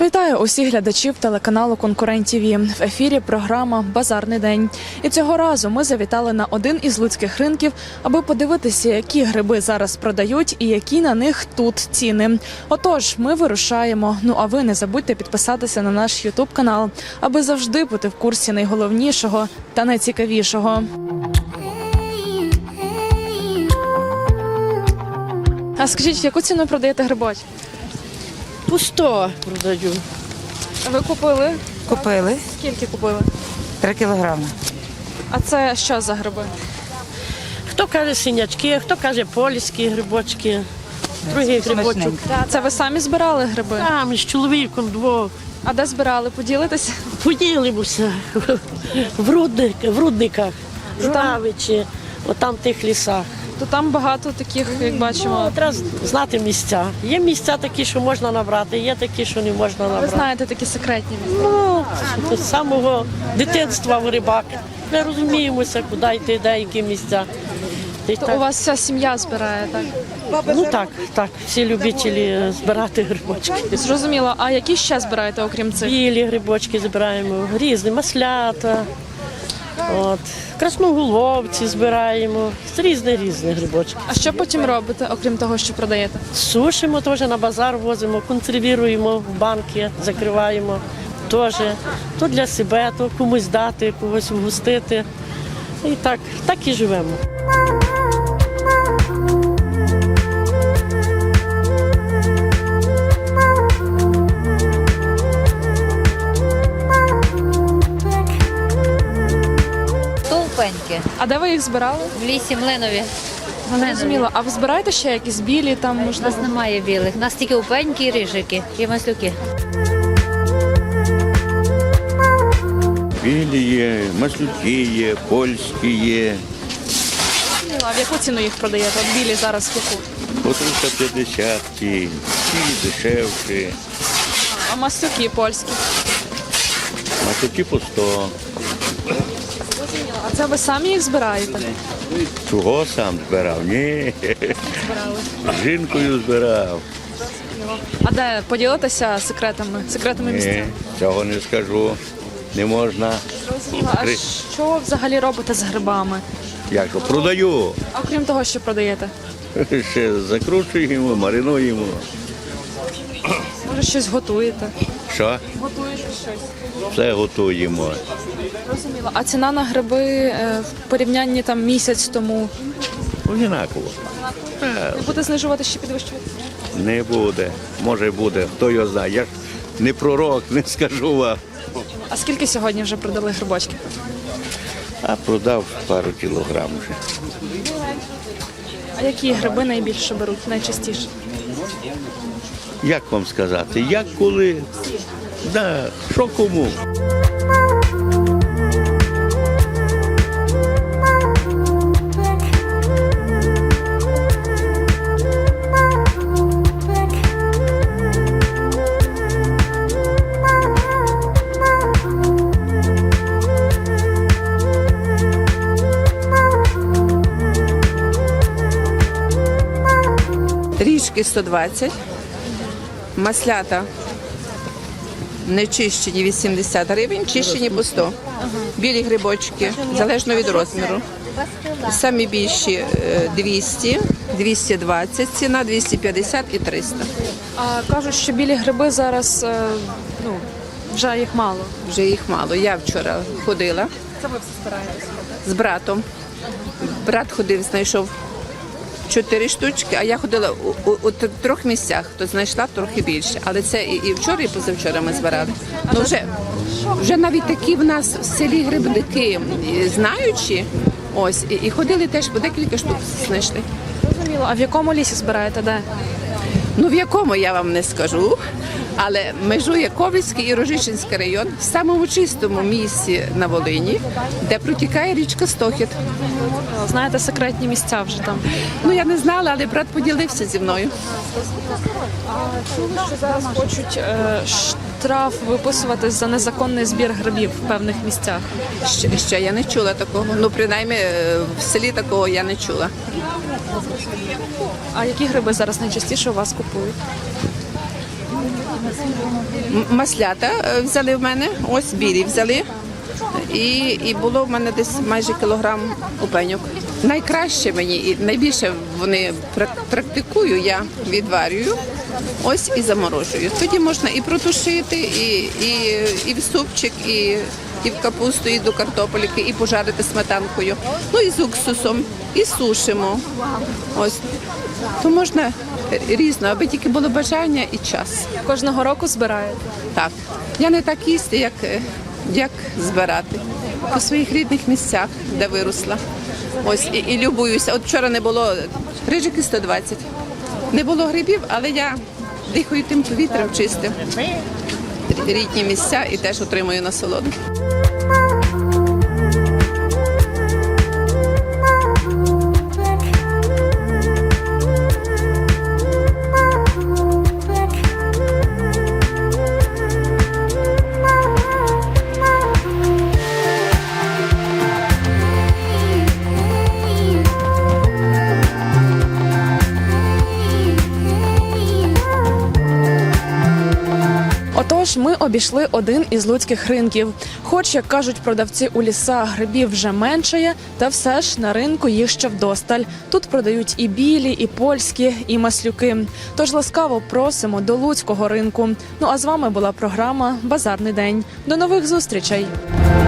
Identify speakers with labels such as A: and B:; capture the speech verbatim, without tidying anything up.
A: Вітаю усіх глядачів телеканалу «Конкурент ТІВІ». В ефірі програма «Базарний день». І цього разу ми завітали на один із луцьких ринків, аби подивитися, які гриби зараз продають і які на них тут ціни. Отож, ми вирушаємо. Ну а ви не забудьте підписатися на наш ютуб канал, аби завжди бути в курсі найголовнішого та найцікавішого. А скажіть, яку ціну продаєте грибочки?
B: По сто продаю.
A: Ви купили?
C: Купили
A: Скільки купили?
C: три кілограми.
A: А це що за гриби?
B: Хто каже синячки, хто каже польські грибочки, другий грибочок.
A: Це ви самі збирали гриби?
B: Там з чоловіком двох.
A: А де збирали? Поділитися?
B: Поділимося в, рудник, в рудниках,
A: там-
B: Журавичі, отам в тих лісах.
A: То там багато таких, як бачимо.
B: Ну, треба знати місця. Є місця такі, що можна набрати, є такі, що не можна
A: Ви
B: набрати.
A: знаєте такі секретні місця.
B: Ну, з самого дитинства в рибак. Ми розуміємося, куди йти, де які місця. І
A: То
B: так.
A: у вас вся сім'я збирає, так?
B: Ну так, так, всі любителі збирати грибочки.
A: Зрозуміло. А які ще збираєте, окрім цих?
B: Білі грибочки збираємо, різні, маслята, от, красноголовці збираємо, різні різні грибочки.
A: А що потім робите, окрім того, що продаєте?
B: Сушимо теж на базар возимо, консервуємо в банки, закриваємо теж. То для себе, то комусь дати, когось вгостити. І так, так і живемо.
D: Стовпеньки
A: А де ви їх збирали?
D: в лісі Млинові.
A: Зрозуміло. А ви збираєте ще якісь білі там,
D: У нас
A: можливо?
D: немає білих. У нас тільки упеньки і рижики, і маслюки.
E: Білі є, маслюки є, польські є,
A: А в яку ціну їх продаєте? От білі зараз в яку?
E: по триста п'ятдесят, ті, ті дешевші,
A: А маслюки польські?
E: маслюки по сто.
A: А це ви самі їх збираєте?
E: Чого сам збирав? Ні, з жінкою збирав.
A: А де поділитися секретами, секретами
E: Ні,
A: місця?
E: цього не скажу. Не можна.
A: А що взагалі робите з грибами?
E: Як то, продаю.
A: А окрім того, що продаєте?
E: Ще закручуємо, маринуємо.
A: Може, щось готуєте?
E: Що?
A: Готуєте щось.
E: Все готуємо.
A: Розуміло. А ціна на гриби е, в порівнянні там місяць тому
E: Однаково.
A: не буде знижувати, ще підвищувати?
E: Не буде. Може буде, хто його знає. Я ж не пророк, не скажу вам.
A: А скільки сьогодні вже продали грибочки?
E: А продав пару кілограм вже.
A: А які гриби найбільше беруть, найчастіше?
E: Як вам сказати? Як коли? Да, що кому?
C: Ріжки сто двадцять, маслята нечищені вісімдесят гривень, чищені по сто. Білі грибочки, залежно від розміру. Самі більші е, двісті, двісті двадцять ціна, двісті п'ятдесят і триста.
A: А кажуть, що білі гриби зараз, е, ну, вже їх мало.
C: Вже їх мало. Я вчора ходила
A: Це ви все стараєтесь?
C: з братом. Брат ходив, знайшов чотири штучки, а я ходила у, у, у трьох місцях, то знайшла трохи більше. Але це і, і вчора, і позавчора ми збирали. Ну, вже, вже навіть такі в нас в селі грибники і знаючі, ось, і, і ходили теж по декілька штук знайшли.
A: Зрозуміло. А в якому лісі збираєте, де?
C: Ну, в якому я вам не скажу, але межує Ковицький і Рожичинський район в самому чистому місці на Волині, де протікає річка Стохід.
A: Знаєте, секретні місця вже там.
C: Ну, я не знала, але брат поділився зі мною.
A: Чули, що зараз хочуть е, штраф виписувати за незаконний збір грибів в певних місцях.
C: Ще, ще я не чула такого. Ну, принаймні, е, в селі такого я не чула.
A: А які гриби зараз найчастіше у вас купують?
C: М- Маслята е, взяли в мене, ось білі взяли. І, і було в мене десь майже кілограм опеньок. Найкраще мені і найбільше вони прак- практикую, я відварюю, ось і заморожую. Тоді можна і протушити, і, і, і в супчик, і, і в капусту, і до картопельки, і пожарити сметанкою. Ну і з уксусом, і сушимо. Ось. То можна різно, аби тільки було бажання і час.
A: Кожного року збираєте?
C: Так, я не так їсти, як, як збирати. По своїх рідних місцях, де виросла. Ось і, і любуюся. От вчора не було рижики сто двадцять. Не було грибів, але я дихаю тим повітрям чистим. Рідні місця і теж отримую насолоду.
A: Отож, ми обійшли один із луцьких ринків. Хоч, як кажуть продавці, у лісах грибів вже меншає, та все ж на ринку їх ще вдосталь. Тут продають і білі, і польські, і маслюки. Тож ласкаво просимо до луцького ринку. Ну а з вами була програма «Базарний день». До нових зустрічей!